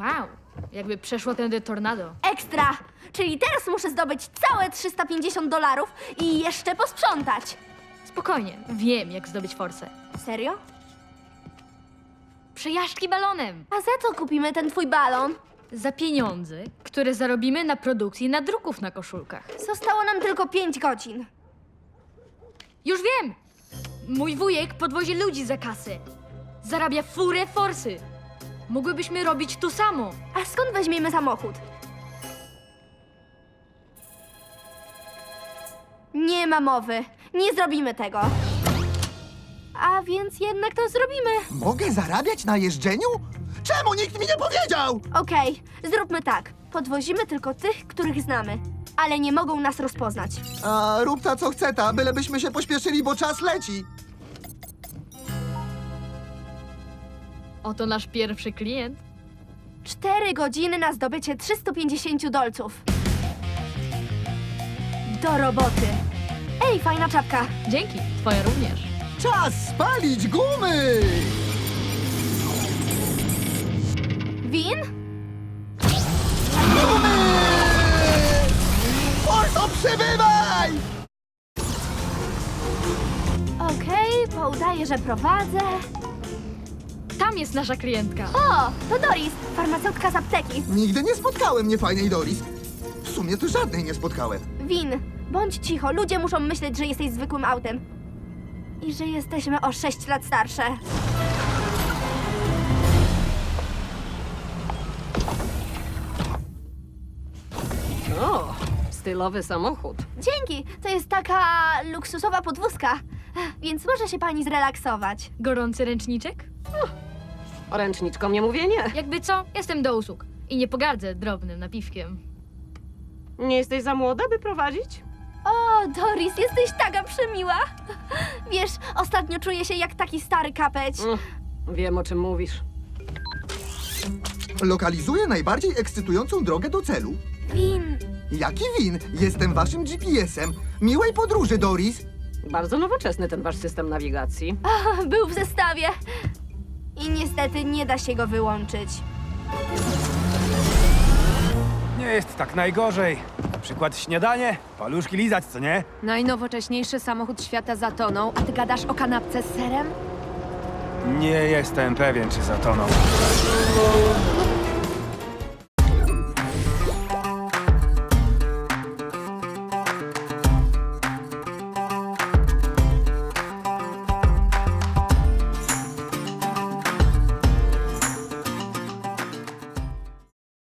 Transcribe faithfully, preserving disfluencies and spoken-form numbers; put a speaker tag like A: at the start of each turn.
A: Wow, jakby przeszło tędy tornado.
B: Ekstra! Czyli teraz muszę zdobyć całe trzysta pięćdziesiąt dolarów i jeszcze posprzątać.
A: Spokojnie, wiem jak zdobyć forsę.
B: Serio?
A: Przejażdżki balonem!
B: A za co kupimy ten twój balon?
A: Za pieniądze, które zarobimy na produkcji nadruków na koszulkach.
B: Zostało nam tylko pięć godzin.
A: Już wiem! Mój wujek podwozi ludzi za kasę. Zarabia furę forsy. Mogłybyśmy robić to samo.
B: A skąd weźmiemy samochód? Nie ma mowy. Nie zrobimy tego. A więc jednak to zrobimy.
C: Mogę zarabiać na jeżdżeniu? Czemu nikt mi nie powiedział?
B: Okej, zróbmy tak. Podwozimy tylko tych, których znamy. Ale nie mogą nas rozpoznać.
C: A rób ta co chce ta, bylebyśmy się pośpieszyli, bo czas leci.
A: Oto nasz pierwszy klient.
B: Cztery godziny na zdobycie trzystu pięćdziesięciu dolców. Do roboty. Ej, fajna czapka.
A: Dzięki, twoja również.
C: Czas spalić gumy!
B: Win?
C: Gumy! Forso, przybywaj!
B: Okej, poudaję, że prowadzę.
A: Tam jest nasza klientka.
B: O, to Doris, farmaceutka z apteki.
C: Nigdy nie spotkałem niefajnej Doris. W sumie to żadnej nie spotkałem.
B: Win, bądź cicho, ludzie muszą myśleć, że jesteś zwykłym autem. I że jesteśmy o sześć lat starsze.
D: O, stylowy samochód.
B: Dzięki, to jest taka luksusowa podwózka, więc może się pani zrelaksować.
A: Gorący ręczniczek?
D: Ręczniczką nie mówię nie.
A: Jakby co, jestem do usług. I nie pogardzę drobnym napiwkiem.
D: Nie jesteś za młoda, by prowadzić?
B: O, Doris, jesteś taka przemiła. Wiesz, ostatnio czuję się jak taki stary kapeć.
D: Mm, wiem, o czym mówisz.
C: Lokalizuję najbardziej ekscytującą drogę do celu.
B: Win,
C: Jaki win? Jestem waszym G P S-em. Miłej podróży, Doris.
D: Bardzo nowoczesny ten wasz system nawigacji.
B: o, był w zestawie. I niestety nie da się go wyłączyć.
E: Nie jest tak najgorzej. Na przykład śniadanie, paluszki lizać, co nie?
F: Najnowocześniejszy samochód świata zatonął, a ty gadasz o kanapce z serem?
E: Nie jestem pewien, czy zatonął.